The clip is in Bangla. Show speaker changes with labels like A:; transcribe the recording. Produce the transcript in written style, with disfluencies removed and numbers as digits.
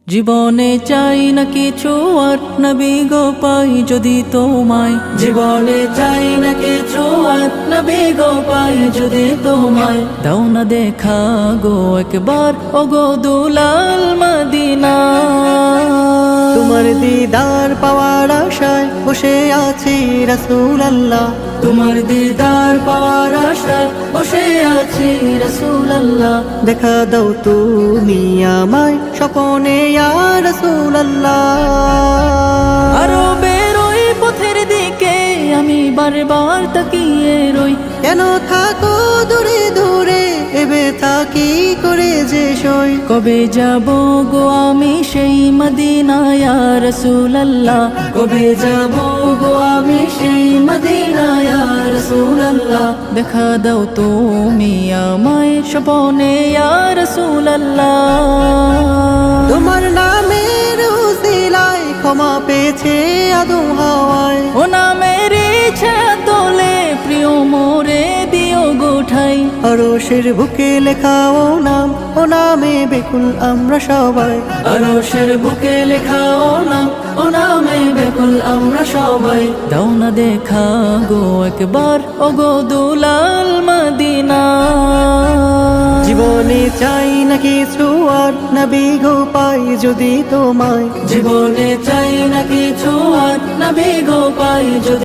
A: জীবনে চাই না কিছু আর নবী গো পাই যদি তোমায়। জীবনে চাই না কিছু আর নবী গো পাই যদি তোমায়। দাও না দেখা গো একবার ও গো দুলাল মদিনা।
B: তোমার দিদার পাওয়ার আশায় বসে আছি রাসূলুল্লাহ।
A: তোমার দিদার পাওয়ার আশায় বসে আছি রাসূলুল্লাহ।
B: দেখা দাও তুমি আমায় স্বপনে ইয়া রাসূলুল্লাহ।
A: আরো বেরোই পথের দিকে আমি বারবার তাকিয়ে রই।
B: কেন থাকো দূরে দূরে এবে থাকি করে যে সই।
A: কবে যাব গো আমি সেই মদিনা ইয়া রাসূলুল্লাহ। কবে যাব গো আমি সেই মদিনা ইয়া রাসূলুল্লাহ। দেখা দাও তুমি আমায় স্বপনে ইয়া রাসূলুল্লাহ।
B: তোমার নামের উসিলায় ক্ষমা পেয়েছে আদম হাওয়ায়।
A: ও নামের ইচ্ছা তোলে প্রিয় মোরে দিও গোঠাই।
B: আরশের বুকে লেখা ও নাম, ও নামে বেকুল আমরা সবাই।
A: আরশের বুকে লেখা ও নাম, ও নামে বেকুল আমরা সবাই। দাও না দেখা গো একবার ও গো দুলাল মদিনা।
B: জীবনে চাই না কিছু আর নবী গো পাই যদি তোমায়।
A: জীবনে চাই না কিছু আর নবী গো পাই যদি